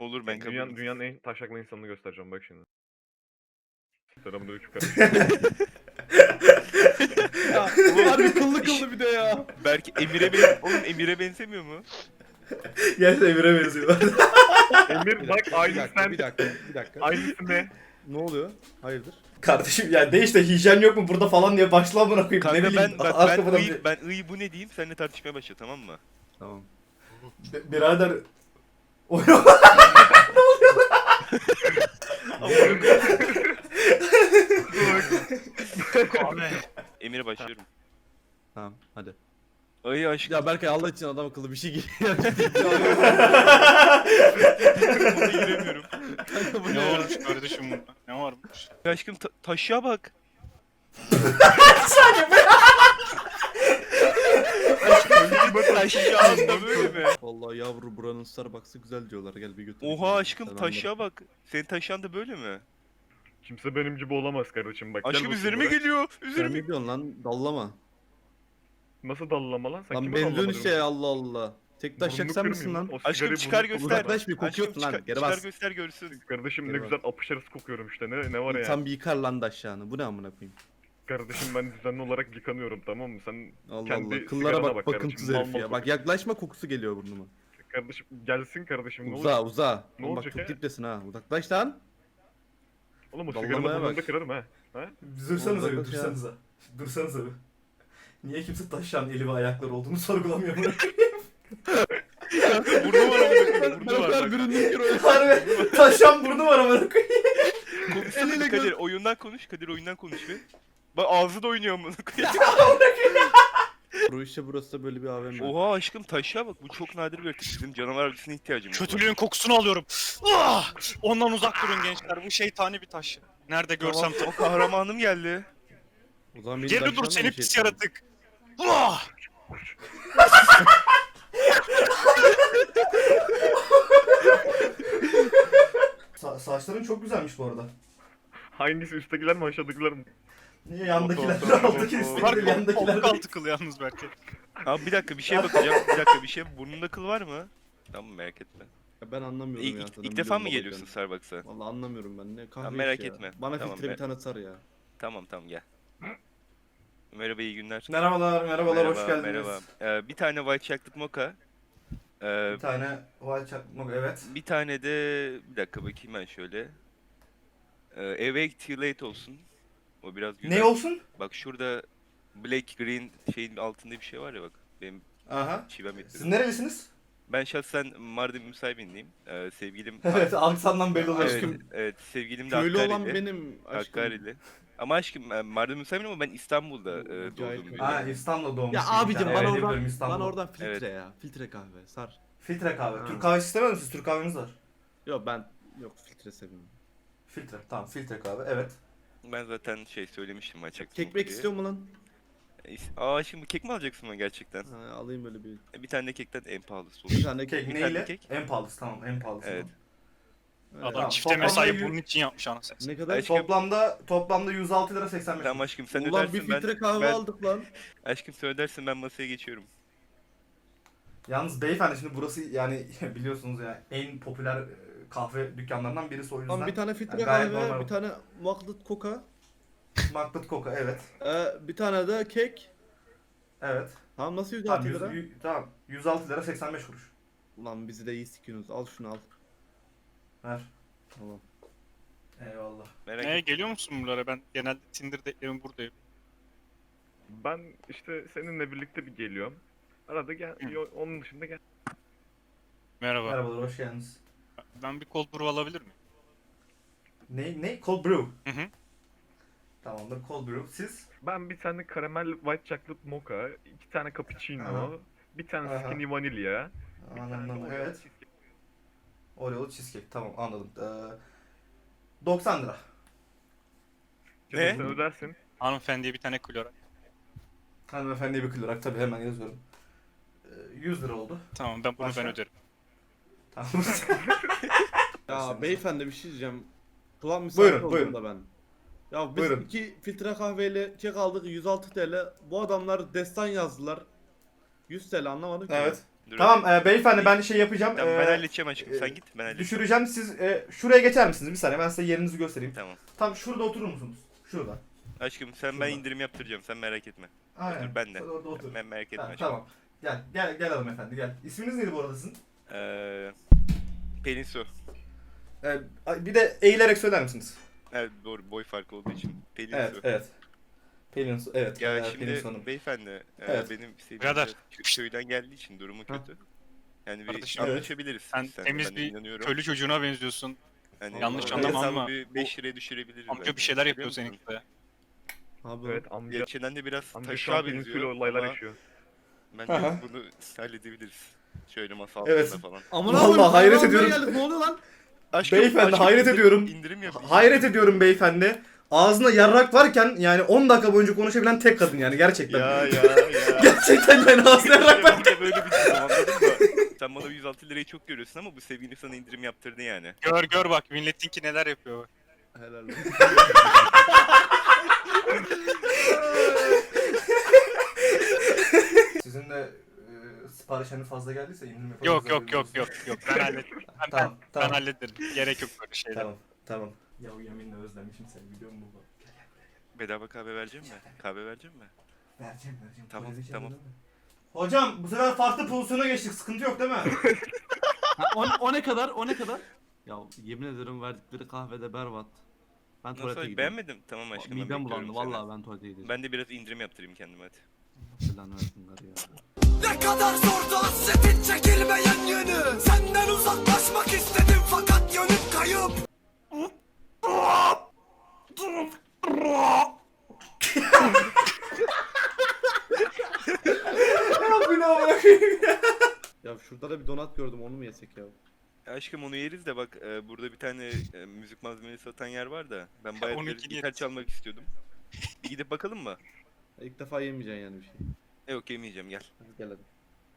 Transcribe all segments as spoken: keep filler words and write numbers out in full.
Olur ben kabul Dünyanın, ederim. dünyanın en taşaklı insanını göstereceğim bak şimdi. Selamünaleyküm kardeşim. Ya harbi kıllı kıllı bir de ya. Belki Emir'e ben oğlum Emir'e benzemiyor mu? Gerçekten Emir'e benziyor. Emir bak Bir aynı dakika, sen. bir dakika, bir dakika. Aynısı ne? Ne oluyor? Hayırdır? Kardeşim ya de işte hijyen yok mu burada falan diye başla amına koyayım. Kanka ne bileyim. ben bak arka ben falan ıy, bir- ben ıy bu ne diyeyim seninle tartışmaya başla tamam mı? Tamam. Bi- Birader. Emir'e başlıyorum. Tamam hadi. Ay aşkım Ya Berkay Allah için adam akıllı bir şey giy. buna giremiyorum. Kanka bu ne Ne ya? varmış kardeşim bunda? Ne varmış? Aşkım ta- taşıya bak. Aşkım taşıyağında böyle mi? Vallahi yavru buranın Starbucks'ı güzel diyorlar. Gel bir götür. Oha aşkım Sen taşıya bak. Senin taşıyan da böyle mi? Kimse benim gibi olamaz kardeşim bak. gel Aşkım bakayım üzerime buraya. geliyor. Sen Üzerime. ne diyorsun lan? Dallama. Nasıl dallama lan? Sen Lan kime benziyorsun dallama işte diyorsun? Allah Allah. Tek taş Burnunu yaksan mısın kırmayayım lan? O Aşkım sigarayı çıkar burnunu- göster. Uzaklaş bir, kokuyorsun Aşkım lan, çıkar, geri çıkar bas. göster görsün. Kardeşim ne Geri güzel apışarısı kokuyorum işte. Ne ne var ya? Tam bir yıkar lan daşyağını. Bu ne amına koyayım? Kardeşim ben düzenli olarak yıkanıyorum tamam mı? Sen Allah kendi Allah. Kıllara sigarana bak, bak bakımsız kardeşim, herif mal ya. mal Bak yaklaşma, kokusu geliyor burnuma. Kardeşim gelsin kardeşim ne Uza olacak? uza. Ne Oğlum bak olacak çok ya? diptesin ha. Uzaklaş lan. Oğlum o Dallamaya sigaranı burnunda bak. kırarım ha. Ha? Dursanıza bir Uzaklaş ya. dursanıza. Dursanıza bir. Niye kimse taşıyan eli ve ayakları olduğunu sorgulamıyor bunu? Burnu var ama burnu Ben o var kadar bak. büründüm ki öyle. Harbi taşıyan burnu var amına koyayım. Konuşsana Eliyle Kadir gör- oyundan konuş. Kadir oyundan konuş bir. Bak ağzı da oynuyor amına koyayım. Bu işte burası da böyle bir A V M. Oha aşkım taşıya bak bu çok nadir bir yaratık. Bizim canavar avcısına ihtiyacımız var. Kötülüğün kokusunu alıyorum. Ah! Ondan uzak durun gençler. Bu şeytani bir taş. Nerede görsem Tamam, o kahramanım geldi. O zaman beni Geri dur daşlarla seni mı pis şey yaratık. Ah! Sa- saçların çok güzelmiş bu arada. Hangisi üsttekiler mi aşağıdakiler mi? Niye yandakiler Oho, oho, alttaki oho. üstteki Bunlar değil kol, yandakiler koltuk değil. altı kıl yalnız belki. Abi bir dakika bir şeye bakacağım. Bir dakika bir şey. Burnunda kıl var mı? Tamam merak etme. Ya ben anlamıyorum İlk, ya. ilk, zaten ilk defa mı biliyorum geliyorsun babacan. Starbucks'a? Vallahi anlamıyorum ben. Ne kahve Tamam, merak iş ya. etme. Bana Tamam, filtre ben- bir tane sar ya. Tamam tamam gel. Merhaba iyi günler. Merhabalar, merhabalar, hoş Merhaba, geldiniz. merhaba. Ee, bir tane white chocolate mocha. Ee, Bir tane white chocolate, evet. bir tane de bir dakika bakayım ben şöyle. Ee, Awake Too Late olsun. O biraz güzel. Ne olsun? Bak şurada black green şeyin altında bir şey var ya bak. Benim Aha. çivem Siz ettim. nerelisiniz? Ben şahsen Mardin müsahibindeyim. Ee, sevgilim Evet, aksandan belli oluyor. evet, Aşkım, evet, sevgilim de Köylü olan Hakkari'li. benim aşkım. Hakkari'li. Ama aşkım e, Mardin müsaibim ama ben İstanbul'da e, Cahil doğdum. köylü. büyüdüm. Ha, İstanbul'da doğmuş. Ya bir tane. abicim Evet, bana biliyorum, oradan, İstanbul. bana oradan filtre Evet. ya. Filtre kahve sar. Filtre kahve. Ha. Türk kahvesi istemez misiniz? Türk kahvemiz var. Yok ben yok filtre seviyorum. Filtre. Tamam, filtre kahve. Evet. Ben zaten şey söylemiştim açık. Kek bek istiyor mu lan? Aa şimdi kek mi alacaksın ben gerçekten? Ha, alayım böyle bir. E, Bir tane de kekten en pahalısı Bir olur. tane Kek Bir neyle? tane kek. En pahalısı, tamam, en pahalısı. Evet. Evet. Adam Tamam, çifte toplamda mesai yü- bunun için yapmış anasını. Ne kadar? Aşkım- Toplamda toplamda yüz altı lira seksen beş. Tamam aşkım sen Ulan bir ödersin ben. filtre kahve ben- aldık lan. Aşkım sen ödersin ben masaya geçiyorum. Yalnız beyefendi şimdi burası yani biliyorsunuz ya en popüler e, kahve dükkanlarından birisi o yüzden. Lan bir tane filtre Yani gayet kahve, normal. bir tane maklut koka, Maklut Coca, evet. ee, bir tane de kek. Evet. Tamam nasıl yüz Tamam, altı yüz, lira? yü- tamam. yüz altı lira seksen beş kuruş. Ulan bizi de iyi sikiyorsunuz. Al şunu al. Ver. Tamam. Eyvallah. Merak Ne etme. geliyor musun buralara? Ben genelde Tinder date'lerim buradayım. Ben işte seninle birlikte bir geliyorum. Arada gel, Hı. yo- onun dışında gel. Merhaba. Merhabalar, hoş geldiniz. Ben bir cold brew alabilir miyim? Ne? Ne? Cold brew. Hı hı. Tamamdır, cold brew. Siz? Ben bir tane karamel white chocolate mocha, iki tane cappuccino, Aha. bir tane Aha. skinny vanilya, bir tane Anladım, Oreo evet. cheesecake. Oreo'lu cheesecake, tamam anladım. Ee, doksan lira. Canım Ne? sen ödersin. Hanımefendiye bir tane klorak. Hanımefendiye bir kılarak tabii hemen yazıyorum. Ee, yüz lira oldu. Tamam ben bunu Başka? ben öderim. Tamam. Ya beyefendi bir şey diyeceğim. Kulak misafir Buyurun, oldum buyurun. da ben. Ya biz Buyurun. iki filtre kahveyle kek aldık yüz altı TL. Bu adamlar destan yazdılar. yüz TL anlamadım ki. Evet. Dur Tamam bakayım. e, beyefendi ben şey yapacağım. Tamam e, ben halledeceğim aşkım. e, Sen git ben halledeceğim. Düşüreceğim siz e, şuraya geçer misiniz? Bir saniye ben size yerinizi göstereyim. Tamam. Tam şurada oturur musunuz? Şurada. Aşkım sen Şurada. ben indirim yaptıracağım. Sen merak etme. Aynen. Otur ben de. Hadi orada otur. Ben merak etme Ha, aşkım. tamam. Gel gel gel hanımefendi gel. İsminiz neydi bu arada sizin? Ee, Pelin Su. E, bir de eğilerek söyler misiniz? Evet doğru boy farkı olduğu için. Pelin Evet Su. evet. Pelin Su evet. Ya e, Pelin şimdi Su Hanım. beyefendi e, Evet. benim sevdiğim Birader. de kö- köyden geldiği için durumu Ha. kötü. Yani bir Kardeşim, evet. anlaşabiliriz. Sen biz seninle, temiz ben bir inanıyorum. Köylü çocuğuna benziyorsun. Yani yanlış anlamam anlama ama bir beş liraya düşürebiliriz. Amca bence. bir şeyler Biliyor yapıyor musun? seninkide. Abi Evet amca. Gerçekten de biraz Amca şu an taşa Pelin Su'yla benziyor olaylar ama yaşıyor. bence Aha. bunu halledebiliriz. Şöyle masa Evet. altında falan. Amına Vallahi koyayım, hayret kahve almaya ediyorum. geldik, ne oluyor lan? Aşkım, Beyefendi, aşkım, hayret indirim- ediyorum. İndirim yap. Hayret ediyorum beyefendi. Ağzında yarrak varken yani on dakika boyunca konuşabilen tek kadın yani gerçekten. Ya ya ya. Gerçekten yani ağzına yarrak var. Ben de böyle bir şey anladın mı? Sen bana yüz altı lirayı çok görüyorsun ama bu sevgili sana indirim yaptırdı yani. Gör gör bak milletinki neler yapıyor. bak. Helal olsun. Sizin de e, sipariş hani fazla geldiyse indirim yapabiliriz. Yok yok yok yok yok ben hallederim. Ben, Tamam, ben, tamam. ben hallederim. Gerek yok böyle şeyler. Tamam tamam. Ya yeminle özlemişim seni biliyor musun baba? Gel gel buraya gel. Bedava kahve vereceğim mi? Kahve vereceğim mi? Vereceğim vereceğim. Tamam, Polise tamam. çağırın. Hocam bu sefer farklı pozisyona geçtik sıkıntı yok değil mi? Ha, o, o ne kadar? O ne kadar? Ya yemin ederim verdikleri kahvede berbat. Ben tuvalete Nasıl? gidiyorum. Beğenmedim. Tamam aşkım. ben Midem bekliyorum bulandı seni. vallahi ben tuvalete gidiyorum. Ben de biraz indirim yaptırayım kendime hadi. Lan versin garı ya. Ne kadar zordu hasretin çekilmeyen yönü. Senden uzaklaşmak istedim fakat yönüm kayıp. Ya bu ne amına koyayım ya? Ya şurada da bir donat gördüm, onu mu yesek ya? Ya aşkım onu yeriz de bak e, burada bir tane e, müzik malzemesi satan yer var da ben bayağı onunkini bir gitar yeriz. çalmak istiyordum. Bir gidip bakalım mı? Ya İlk defa yemeyeceksin yani bir şey. E, yok yemeyeceğim gel. Hadi gel hadi.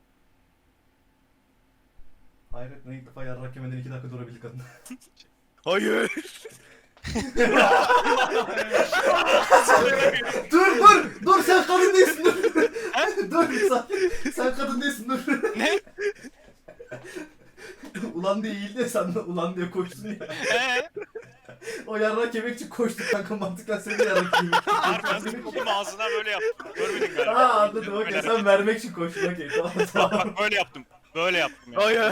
Hayret ne ilk defa yarrak yemeden iki dakika durabildik kadın. Hayır. dur dur dur sen kadın değilsin dur. dur sen, sen kadın değilsin dur. Ne? ulan diye eğildi ya sen de ulan diye koştun ya. Eee? O yarrak yemek için koştuk kanka mantıkla seni yarrak yemek için. Harbiden oğlum ağzına böyle yaptım. Görmedin galiba. Aa anladım Böyle okey hareket. sen vermek için koştun okey tamam tamam. Bak böyle yaptım. Böyle yaptım ya. Hayır.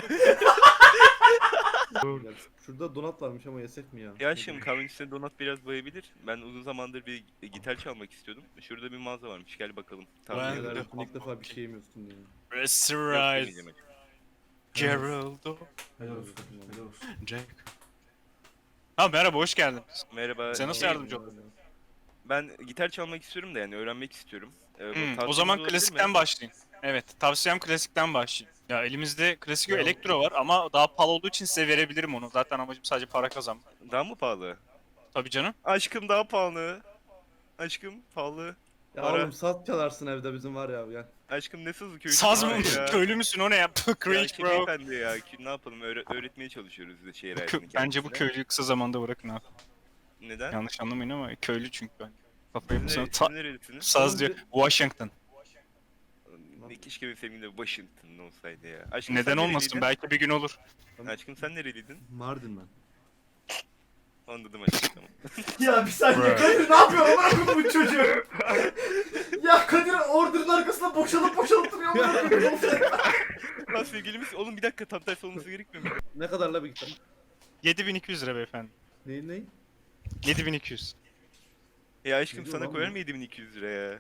Gel. Şurada donat varmış ama yesek mi ya? Ya aşkım kahvenin üstüne donat biraz bayabilir. Ben uzun zamandır bir gitar çalmak istiyordum. Şurada bir mağaza varmış gel bakalım. Tamam. Ben- Helal Yok, olsun, ilk defa bir şey yemiyorsun ya. Restaurant. yemeyeceğim. Geraldo. Helal olsun helal olsun. Jack. Ha merhaba hoş geldin. Merhaba. Sen nasıl şey, yardımcı oldun? Ben gitar çalmak istiyorum da yani öğrenmek istiyorum. Ee, bu Hmm, o tavsiyeniz zaman olabilir klasikten mi? başlayayım. Evet tavsiyem klasikten başlayayım. Ya elimizde klasik ve Ya- elektro var ama daha pahalı olduğu için size verebilirim onu. Zaten amacım sadece para kazanmak. Daha mı pahalı? Tabii canım. Aşkım daha pahalı. Aşkım pahalı. Ya Para. oğlum saz çalarsın evde bizim var ya gel. Aşkım ne sazı köylü? Saz mı? ya? Köylü müsün o ne ya? Ya Cringe ki bro. beyefendi ya ki ne yapalım öğre- öğretmeye çalışıyoruz da şehir hayatını Bence bu kendisine. köylüyü kısa zamanda bırakın abi. Neden? Yanlış anlamayın ama köylü çünkü ben. Kafayı Siz, mı ne, Ta- siz nerelisiniz? Saz diyor. Washington. Ne keşke benim sevgilim de Washington olsaydı ya. Aşkım Neden sen olmasın? nereliydin? Belki bir gün olur. Aşkım sen nereliydin? Mardin ben. Anladım aşkım tamam. Ya bir saniye Bro. Kadir ne yapıyor amına koyayım bu çocuğu? ya Kadir order'ın arkasında boşalıp boşalıp duruyor amına koyayım. Lan sevgilimiz oğlum bir dakika tam tersi olması gerekmiyor mu? Ne kadar la bir gitar? yedi bin iki yüz lira beyefendi. Neyin neyin? yedi bin iki yüz. Ya aşkım Ne diyor sana lan koyar bu? mı yedi bin iki yüz lira ya?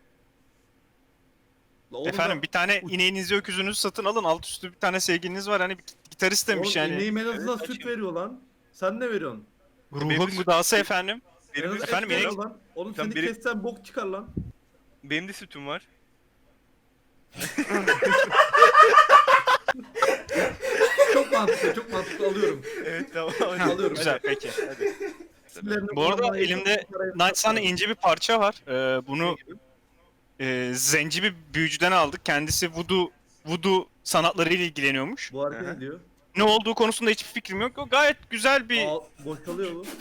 La oğlum Efendim da- bir tane ineğinizi öküzünüzü satın alın. Alt üstü bir tane sevgiliniz var. Hani bir gitarist demiş Oğlum yani. ineğim en azından Evet, süt açayım. veriyor lan. Sen ne veriyorsun? Ruhun Benim- gıdası efendim. En Benim, azından Efendim, et veriyor inek- lan. Oğlum Sen seni benim- kessen bok çıkar lan. benim de sütüm var. Çok mantıklı, çok mantıklı alıyorum. Evet tamam. hadi. Alıyorum. Güzel peki. Hadi. Sinirlerini Bu arada kullanmayı- elimde parayı- Naçsana ince bir parça var. Ee, bunu e, zenci bir büyücüden aldık. Kendisi voodoo, voodoo sanatlarıyla ilgileniyormuş. Bu hareket Aha. ediyor. Ne olduğu konusunda hiçbir fikrim yok. O gayet güzel bir... Aa, boşalıyor bu.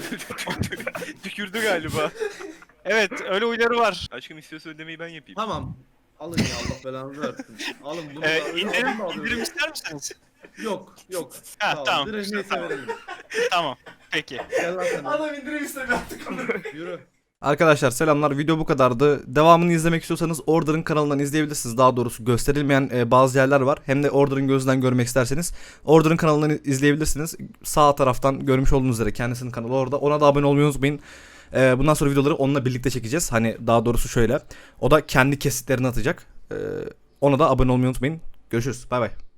Tükürdü galiba. Evet öyle huyları var. Aşkım istiyorsa ödemeyi ben yapayım. Tamam. Alın ya Allah belanızı versin. Alın bunu da Ee, öyle indirim, alın da alıyorum. indirim ister misiniz? Yok yok. Ha, Sağ ol. tamam. Direkt neyse Tamam. verelim. Tamam. Peki. Gel lan sen. Adam indirim istemiyor artık onu. Yürü. Arkadaşlar selamlar. Video bu kadardı. Devamını izlemek istiyorsanız Order'ın kanalından izleyebilirsiniz. Daha doğrusu gösterilmeyen e, bazı yerler var. Hem de Order'ın gözünden görmek isterseniz Order'ın kanalından izleyebilirsiniz. Sağ taraftan görmüş olduğunuz üzere kendisinin kanalı orada. Ona da abone olmayı unutmayın. E, bundan sonra videoları onunla birlikte çekeceğiz. Hani daha doğrusu şöyle. O da kendi kesitlerini atacak. E, ona da abone olmayı unutmayın. Görüşürüz. Bay bay.